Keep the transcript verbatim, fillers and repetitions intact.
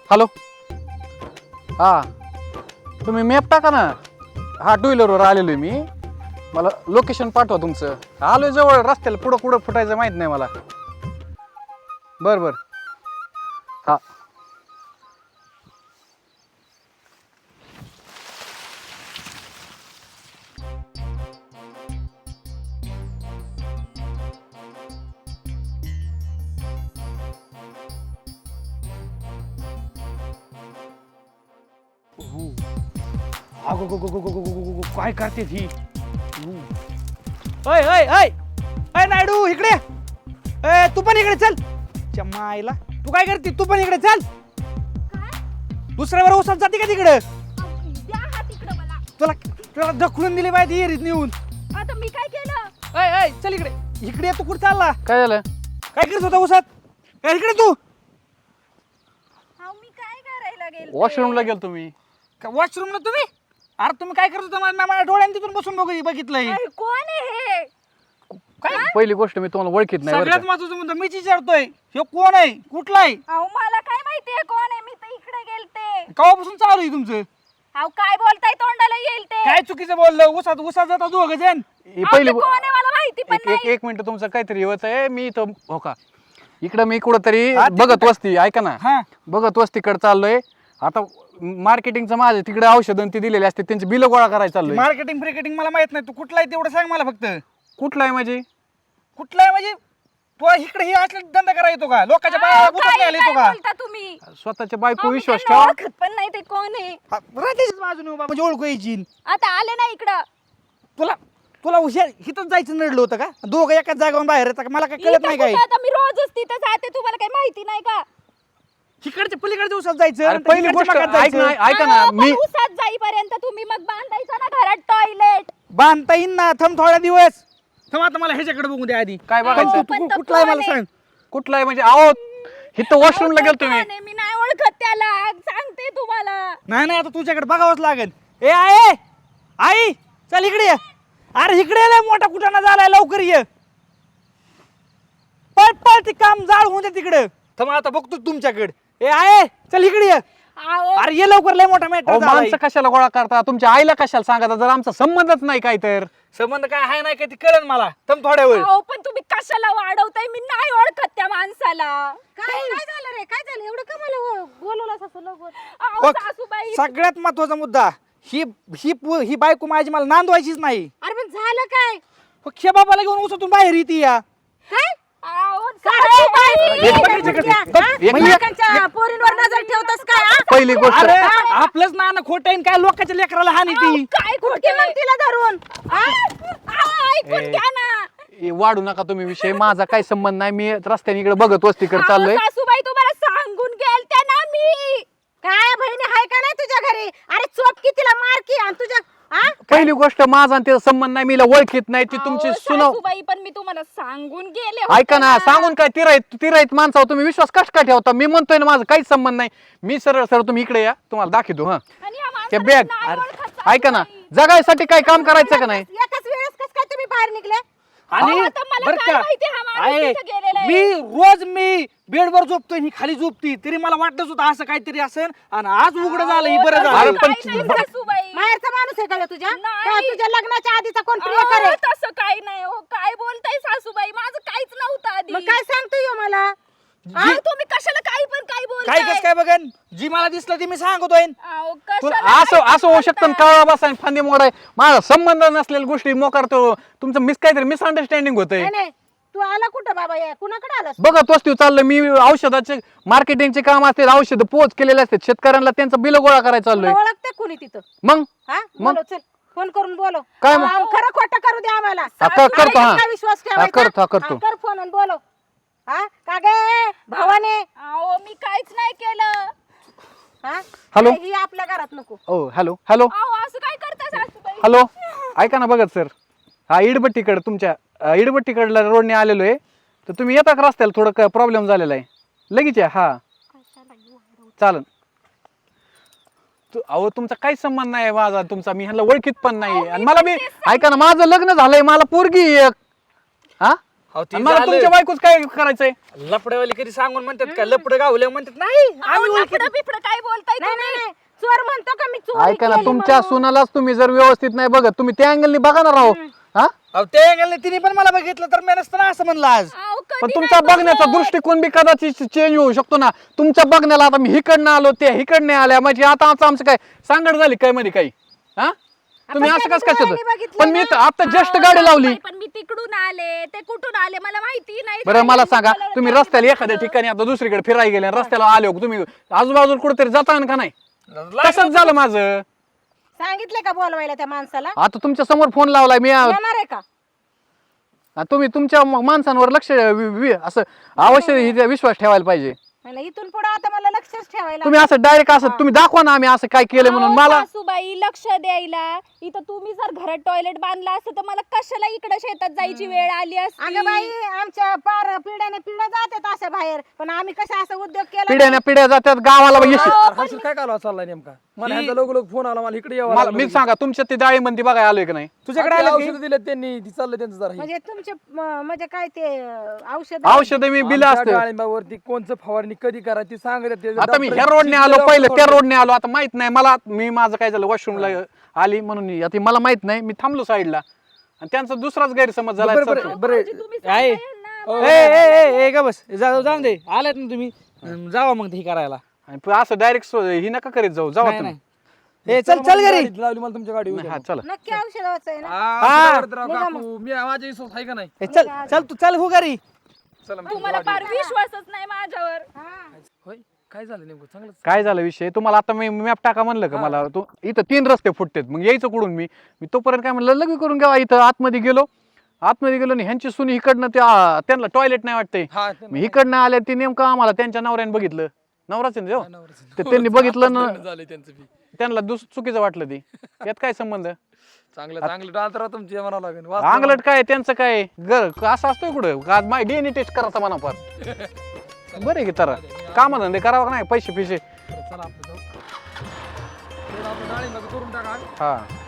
Hello हां तुम्ही map टाका ना. हा टू व्हीलरवर आलेलो आहे मी. मला लोकेशन पाठवा तुमचं. आलोय जवळ रस्त्याला पुढं कुठं फुटायचं माहीत नाही मला. बरं बरं हां अगो गो गो गो गो गो गो गो काय करते ही? अय अय अय अय नायडू इकडे. ए तू पण इकडे चल. चम्माईला तू काय करते? तू पण इकडे चल. दुसऱ्यावर ओसात जाते का तिकडे? द्या हात इकडं मला. तुला तुला ढकलून दिली पाहिजे येरीत नेऊन. आता मी काय केलं? अय अय चल इकडे. इकडे तू कुठे चालला? काय झालं? काय करत होता ओसात? ए, इकडे तू. अहो मी काय करायला गेलते? वॉशरूमला गेलो तुम्ही. वॉशरूमला तुम्ही? अरे तुम्ही काय करत होता? मला माझ्या डोळ्याने तिथून बसून बघ बघितलंय. अरे, कोण आहे हे? काय पहिली गोष्ट मी तुम्हाला ओळखीत नाही बरं सगळ्यात का? महत्वाचं म्हणतो मीच विचारतोय हे कोण आहे? कुठला आहे? अहो मला काय माहितीये कोण आहे? मी तर इकडे गेलते. केव्हापासून चालू आहे तुमचं? अहो काय बोलताय? तोंडाला येईल ते. काय चुकीचं बोललं? उसात उसात जाता दोघ जण. ही अहो, पहिली ते कोण आहे मला माहिती पण एक एक नाही. एक मिनिट तुमचं काहीतरी होत आहे. मी इथं हो का इकडं मी कुठंतरी हा, ते बघत कुठं? वस्ती ऐका ना. हा बघत वस्तीकडे चाललोय. आता मार्केटिंगचं माझं तिकडे औषधं ती दिलेली असते त्यांची बिलं गोळा करायला चाललोय. मार्केटिंग फ्रिकेटिंग मला माहित नाही. तू कुठला आहे तेवढं सांग मला फक्त. कुठला आहे म्हणजे? कुठला आहे म्हणजे तू इकडे हे असले धंदा करा येतो का? लोकांच्या अहो, बाया काय गुतून आले येतो काय का? बोलता तुम्ही? स्वतःच्या बायको अहो, मी विश्वास त्यांना ठेवा. ओळखत पण नाही ते कोण आहे. हा, राहतेच बाजूने उभा म्हणजे ओळखू यायची. आता आले ना इकडं. तुला तुला हुशार हिथंच जायचं नडलं होतं का? दोघं एकाच जागेवर बाहेर येतात का? मला काय कळत इथं नाही काय. कुठं? आता मी रोजच तिथं जाते. तुम्हाला काही माहिती नाही का? इकडच्या पलीकडच्या उसात जायचं अरे नंतर पहिली इकडच्या गोष्ट भागात ऐक जायचं. ना ऐका ना अहो, पण मी उसात जाईपर्यंत तुम्ही मग बांधायचं ना घरात टॉयलेट. बांधता येईन ना. थांब थोड्या दिवस. थांब आता मला ह्याच्याकडे बघू दे आधी. काय पण बघायचं? तू- पण तू तो कुठला आहे कोण मला आहे? सांग. कुठला आहे म्हणजे आहो इथं वॉशरूमला अहो, गेलो तो तुम्ही. कोण आहे? मी नाही ओळखत त्याला. सांगते तुम्हाला. नाही नाही आता तुझ्याकडे बघावंच लागेल. ए आहे आई चल इकडे ये. अरे इकडे ये लय मोठा कुठाना झालाय लवकर ये. पळ पळ ते काम जाळ होऊन दे तिकडे. थांब आता बघतो तुमच्याकडे. ए आहे चल इकडे ये. अहो, अरे ये लवकर लय मोठा मॅटर अहो, झालाय. माणसं कशाला गोळा करता? तुमच्या आईला कशाला सांगता जर आमचा संबंधच नाही काय तर? संबंध काय आहे नाही का ते कळन मला. थांब थोड्या वेळ. अहो, पण तुम्ही कशाला वाढवताय? मी नाही ओळखत त्या माणसाला. काय काय झालं रे? काय झालं? एवढं का मला बोलवलं असं लवकर? अहो, बघ सासूबाई. सगळ्यात महत्वाचा मुद्दा ही ही पो- ही बायको माझी मला नांदवायचीच नाही. अरे पण झालं काय? पक्ष बाबाला घेऊन उसातून बाहेर येते या. काय? अहो, सासूबाई! सासूबाई. एक बघ, मिनिट, बघ, एक बघ, मिनिट. म्हणजे लोकांच्या पोरींवर नजर ठेवतस काय हा? पहिली गोष्ट अरे आपलंच नाणं खोटं आहे न काय लोकांच्या लेकराला हानी अहो, ती. काय कुठे खोटे मग तिला धरून हा? अहो, ऐकून ए. घ्या ना. ए, वाढू नका तुम्ही विषय. माझा काही संबंध नाही. मी रस्त्याने इकडे बघत वस्तीकडे अहो, चाललोय. सासूबाई तुम्हाला सांगून गेलत्या ना मी. काय बहिणी हाय का नाही तुझ्या घरी? अरे चोप की तिला मार की आणि तुझ्या हा? पहिली गोष्ट माझा आणि त्याचा संबंध नाही. मीला ओळखीत नाही. ती तुमची अहो, सुनो सासूबाई पण मी तुम्हाला सांगून गेले ऐका ना सांगून काय तिराईत तिराईत माणसावर तुम्ही विश्वास कस काय ठेवता? मी म्हणतोय ना माझा काहीच संबंध नाही. मी सरळ सरळ तुम्ही इकडे या तुम्हाला दाखवतो. हा आणि या ते माणसाला बॅग नाही ओळखत ऐका ना सासूबाई. जगायसाठी काय काम करायचं का नाही? एकाच वेळेस कस काय तुम्ही बाहेर निघले? आणि अहो, आता मला बरं काय का माहिती हा माणूस आहे, तिथं गेलेला आहे. मी रोज मी बेडवर झोपतोय ही खाली झोपती तरी मला वाटतच होतं असं काहीतरी असेल आणि आज उघड झालं ही बरं अहो, अरे झालं. पण काही नाही, बरं. सासूबाई. बाहेरचा माणूस आहे का तुझ्या? नाही. का तुझ्या लग्नाच्या आधीचा कोण प्रिय अहो, करे? तसं काही नाही हो. काय बोलताय सासूबाई? माझं काहीच नव्हतं आधी. मग काय सांगतोय ह्यो मला? अहो, तुम्ही कशाला काही पण काय बोलताय? काय कस काय बघन जी मला दिसलं ती मी सांगतोय. अहो, तुला कशाला असं काय असं होऊ शकतं बोलताय? काळा बसा फांदी मोडाय. माझा संबंध नसलेल्या गोष्टी मोकारतो. तुमचं मिस काहीतरी मिसअंडरस्टँडिंग होतंय. नाही नाही तू आला कुठं बाबा? या कुणाकडे आलास? बघत वस्तू चाललं मी. औषधाचे मार्केटिंगचे काम असते. औषध पोच केलेले असते शेतकऱ्यांना. त्यांचं बिल गोळा करायला तुला चाललोय. ओळखते कुणी तिथं? मग हा मग? बोलो चल फोन करून बोलो. काय मग? आम- खरं खोटं करू दे आम्हाला. हा, कर- करतो, हा. काय विश्वास हा, ठेवायचा? करतो, हा, करतो. हा, कर फोन आणि बोलो. हा का गे भावाने? अहो, मी काहीच नाही केलं. हा हॅलो? ही आपल्या घरात नको. ओ हॅलो हॅलो अहो, असं काय करताय सासूबाई? हॅलो ऐका ना बघत सर. हा इडबट्टीकडे तुमच्या अं, इडबट्टीकडला रोडने आलेलो आहे. तर तुम्ही येता का रस्त्याला? थोडं प्रॉब्लेम झालेला आहे. लगेच या. हा चालन. तू- अहो तुमचा काहीच संबंध नाही माझा तुमचा. मी ह्याला ओळखीत पण नाही. आणि मला मी ऐका ना माझं लग्न झालंय. मला पोरगी आहे एक. हा अहो, ते आणि मला झालं. तुमच्या बायकोच काय करायचंय लपडेवाले कधी सांगून म्हणतात का लपडे गावले म्हणतात नाही आम्ही ओळखीत लफडं बिफडं काय बोलताय नाही तुम्ही? नाही नाही चोर म्हणतो का मी चोरी ऐका ना केली तुमच्या म्हणून? सुनालाच तुम्ही जर व्यवस्थित नाही बघत तुम्ही त्या अँगलनी बघा ना राव हा अहो ते गेले तिने पण मला बघितलं तर मी नसतं ना असं म्हणलं आज अहो, कधी पण नाही तुमचा बघण्याचा बघत. दृष्टिकोन बी कदाचित चेंज होऊ शकतो ना तुमच्या बघण्याला आता मी हिकडनं आलो ते हिकडने आल्या म्हणजे आता आमचं आमचं काय सांगड झाली काय मध्ये काही हा तुम्ही आपण असं कधी कसं कसं डोळ्यांनी बघितलं पण मी ना? तर आता जस्ट अहो, गाडी लावली सासूबाई, पण मी तिकडून आले ते कुठून आले मला माहिती नाही. बरं मला काय सांगा बोलायला तुम्ही काय रस्त्याला बघितलं? एखाद्या ठिकाणी आता दुसरीकडे फिरायला गेले आणि रस्त्याला आले हो, तुम्ही आजूबाजूला कुठेतरी जाता का नाही तसंच झालं माझं सांगितलं का बोलवायला त्या माणसाला आता तुमच्या समोर फोन लावलाय मी आ- येणार आहे का तुम्ही तुमच्या म- माणसांवर लक्ष वि- वि- असं अवश्य हि- विश्वास ठेवायला पाहिजे म्हणलं इथून पुढे आता मला लक्षच ठेवायला तुम्ही असं डायरेक्ट असं तुम्ही दाखवा ना आम्ही असं काय केलं म्हणून अहो, मला सासूबाई लक्ष द्यायला इथं तुम्ही जर घरात टॉयलेट बांधला असतं तर मला कशाला इकडे शेतात जायची वेळ आली असती. अगं बाई आमच्या पार पिढ्याने पिढ्या जातात अशा बाहेर पण आम्ही कसं असं उद्योग केला पिढ्याने पिढ्या जातात गावाला यश हर्षल काय कालवा चाललाय नेमका मला ह्यांचा लोक लोक फोन आला मला इकडे यावं मला लागलं. मी सांगा तुमच्या ते डाळीबंदी बघायला आलोय की नाही तुझ्याकडे आपली आलं की औषधं दिलेत त्यांनी ती चाललंय त्यांचं जरा हे. म्हणजे तुमचे म- म्हणजे काय ते औषध औषध मी बिल आमच्या असतं डाळिंबावरती कोणचं फवारणी कधी करायची सांगत ते आता मी डॉक्टर ह्या रोडने आलो चिठ्ठी पहिलं लावून त्या रोडने आलो आता माहित नाही मला मी माझं काय झालं वॉशरूमला आली म्हणून आता मला माहित नाही मी थांबलो साईडला आणि त्यांचा दुसराच गैरसमज झाला बरं बरं चालतो. बरं भाऊजी, तुम्ही आहे सांगा यांना. ए ए ए ए, का बस जा- जाऊन दे आलात ना तुम्ही अं, जावा मग ते हे करायला आणि प- असं डायरेक्ट ही नका करीत जाऊ जावा नाही, तुम्ही नाही. ए चल चल घरी गाडी लावली मला तुमच्या गाडी नाही, हा चला नक्की औषधाचं आहे ना आ, औषधं राव निघा काकू. मी माझ्या विश्वास आहे का नाही ए, चल चल तू चल हो घरी चला मग. तुम्हाला फार विश्वासच नाही माझ्यावर. होय काय झालं नेमकं चांगलं काय झालं विषय तुम्हाला आता मी मॅप टाका म्हणलं का मला तो इथं तीन रस्ते फुटतेत मग यायचं कुठून मी मी तोपर्यंत काय म्हणलं लगे करून घ्यावा इथं आतमध्ये गेलो आतमध्ये गेलो आणि ह्यांची सुनी इकडनं त्या त्यांना टॉयलेट नाही वाटतंय हा ते मी इकडनं आले ते नेमकं आम्हाला त्यांच्या नवऱ्याने बघितलं नवराच आहे ना तो? नवऱ्याचं. ते त्यांनी बघितलं ना झालंय त्यांचं बी त्यांना दुस चुकीचं वाटलं ती यात काय संबंध चांगलं चांगलं डाल तर तुमची म्हणावं लागेल वाच अंगलट काय त्यांचं काय गर असं असतोय कुठं आज माय डीएनए टेस्ट करायचा म्हणा फार बरं आहे की तर काम धंदे करावं का नाही पैसे पिसे चला आपलं जाऊ. तर आपलं डाळिंबाचं करून टाका हा